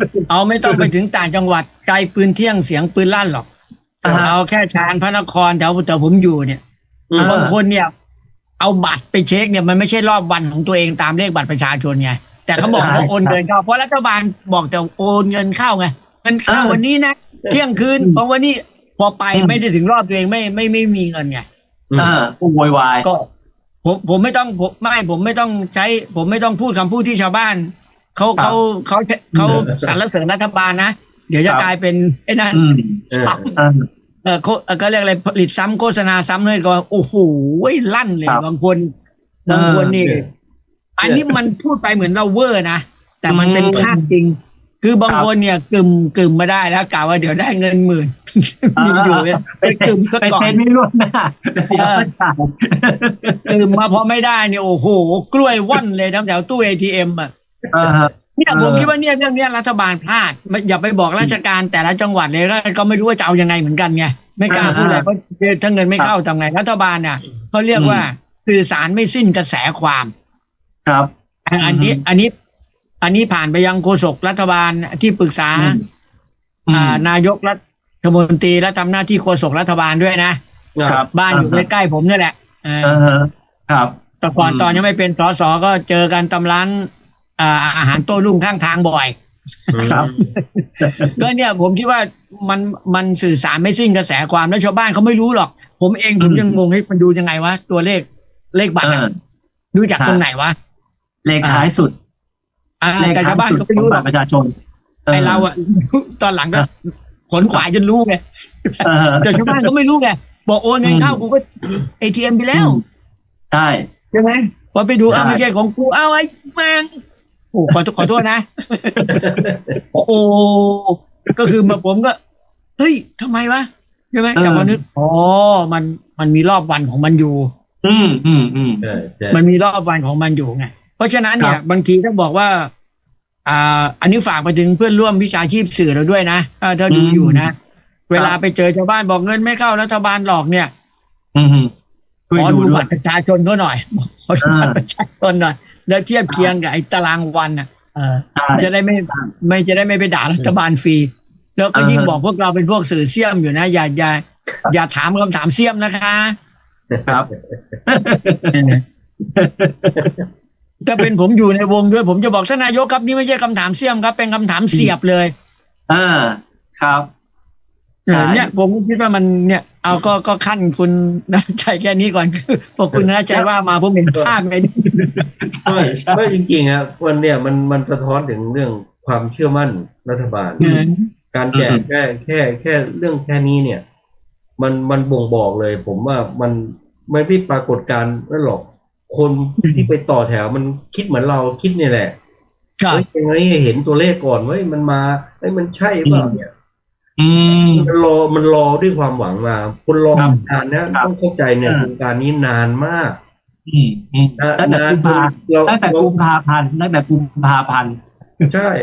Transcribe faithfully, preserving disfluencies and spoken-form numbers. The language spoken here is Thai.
เอาไม่ต้องไปถึงต่างจังหวัดไกลปืนเที่ยงเสียงปืนลั่นหรอกเอาแค่ชานพระนครแถวแต่ผมอยู่เนี่ยบางคนเนี่ยเอาบัตรไปเช็คเนี่ยมันไม่ใช่รอบวันของตัวเองตามเลขบัตรประชาชนไงแต่เขาบอกว่าโอนเงินเข้าเพราะรัฐบาลบอกแต่โอนเงินเข้าไงเงินเข้าวันนี้นะเที่ยงคืนเพราะวันนี้พอไปไม่ได้ถึงรอบตัวเองไม่ไม่ไม่มีเงินไงอ่าก็โวยวายก็ผมผมไม่ต้องผมไม่ผมไม่ต้องใช้ ผมไม่ต้องพูดคำพูดที่ชาวบ้านเขาเขาเขาเขาสรรเสริญรัฐบาลนะเดี๋ยวจะกลายเป็นไอ้นั่นซ้ำเออเขาก็เรียกอะไรผลิตซ้ำโฆษณาซ้ำเลยก็โอ้โหลั่นเลยบางคนบางคนนี่อันนี้มันพูดไปเหมือนเราเวอร์นะแต่มันเป็นภาพจริงคือบางคนเนี่ยกึ่มกึ่มมาได้แล้วกล่าวว่าเดี๋ยวได้เงินหมื่นมีอยู่เนี่ยไปกึ่มก็ก่อนไปเซ็นไม่ล่วงหน้าเสียไม่จ่ายกึ่มมาพอไม่ได้เนี่ยโอ้โหกล้วยว่อนเลยทั้งแถวตู้ เอ ที เอ็ม อ่ะเนี่ยผมคิดว่าเนี่ยเรื่องนี้รัฐบาลพลาดอย่าไปบอกราชการแต่ละจังหวัดเลยก็ไม่รู้ว่าจะเอายังไงเหมือนกันไงไม่กล้าพูดอะไรเพราะถ้าเงินไม่เข้าทำไงรัฐบาลเนี่ยเขาเรียกว่าสื่อสารไม่สิ้นกระแสความครับอันนี้อันนี้อันนี้ผ่านไปยังโฆษกรัฐบาลที่ปรึกษานายกรัฐมนตรีและทำหน้าที่โฆษกรัฐบาลด้วยนะครับบ้านอยู่ใกล้ๆผมนี่แหละครับแต่ก่อนตอนยังไม่เป็นสสก็เจอกันตำร้านอาหารโต้รุ่งข้างทางบ่อยครับก็เนี่ยผมคิดว่ามันมันสื่อสารไม่สิ้นกระแสความแล้วชาวบ้านเขาไม่รู้หรอกผมเองผมยังงงให้มันดูยังไงวะตัวเลขเลขบัตรดูจากตรงไหนวะเลขท้ายสุดแต่ชาวบ้านเขาไม่รู้หรอกประชาชนไอเราอะตอนหลังก็ขนขวายจนรู้ไงแต่ชาวบ้านก็ไม่รู้ไงบอกโอนเงินเข้ากูก็ เอ ที เอ็ม ไปแล้วใช่ใช่ไหมพอไปดูอ้าวไม่ใช่ของกูเอาไอ้แม่งโอ้ขอขอโทษนะโอ้ก็คือมาผมก็เฮ้ยทำไมวะใช่ไหมแต่พอนึกอ๋อมันมันมีรอบวันของมันอยู่อืมอืมอืมมันมีรอบวันของมันอยู่ไงเพราะฉะนั้นเนี่ยบางทีถ้าบอกว่าอ่าอันนี้ฝากไปถึงเพื่อนร่วมวิชาชีพสื่อเราด้วยนะถ้าดูอยู่นะเวลาไปเจอชาวบ้านบอกเงินไม่เข้ารัฐบาลหลอกเนี่ยขอดูบัตรประชาชนเขาหน่อยขอดูบัตรประชาชนหน่อยแล้วเทียบเคียงกับไอ้ตารางวันอ่ะจะได้ไม่ไม่จะได้ไม่ไปด่ารัฐบาลฟรีแล้วก็ยิ่งบอกพวกเราเป็นพวกสื่อเสี่ยมอยู่นะอย่าอย่าอย่าถามคำถามเสี่ยมนะคะครับถ้าเป็นผมอยู่ในวงด้วยผมจะบอกท่านนายกครับนี่ไม่ใช่คำถามเสี่ยมครับเป็นคำถามเสียบเลยอ่าครับเนี่ยผมคิดว่ามันเนี่ยเอาก็ก็ขั้นคุณน่าใจแค่นี้ก่อนคือพอคุณน่าใจว่ามาผมเห็นภาพไงไม่ไม่จริงๆครับวันเนี่ยมันมันสะท้อนถึงเรื่องความเชื่อมั่นรัฐบาลการแจกแค่แค่แค่เรื่องแค่นี้เนี่ยมันมันบ่งบอกเลยผมว่ามันไม่พิปรากฏการณ์นั่นหรอกคนที่ไปต่อแถวมันคิดเหมือนเราคิดนี่แหละเฮ้ยยังไงเห็นตัวเลขก่อนเว้ยมันมาเฮ้ยมันใช่เปล่าเนี่ยมันรอมันรอด้วยความหวังมาคนรอนานนะต้องเข้าใจเนี่ยโครงการนี้นานมากตั้งแต่กุมภาตั้งแต่กุมภาพันธ์ตั้งแต่กุมภาพันธ์ใช่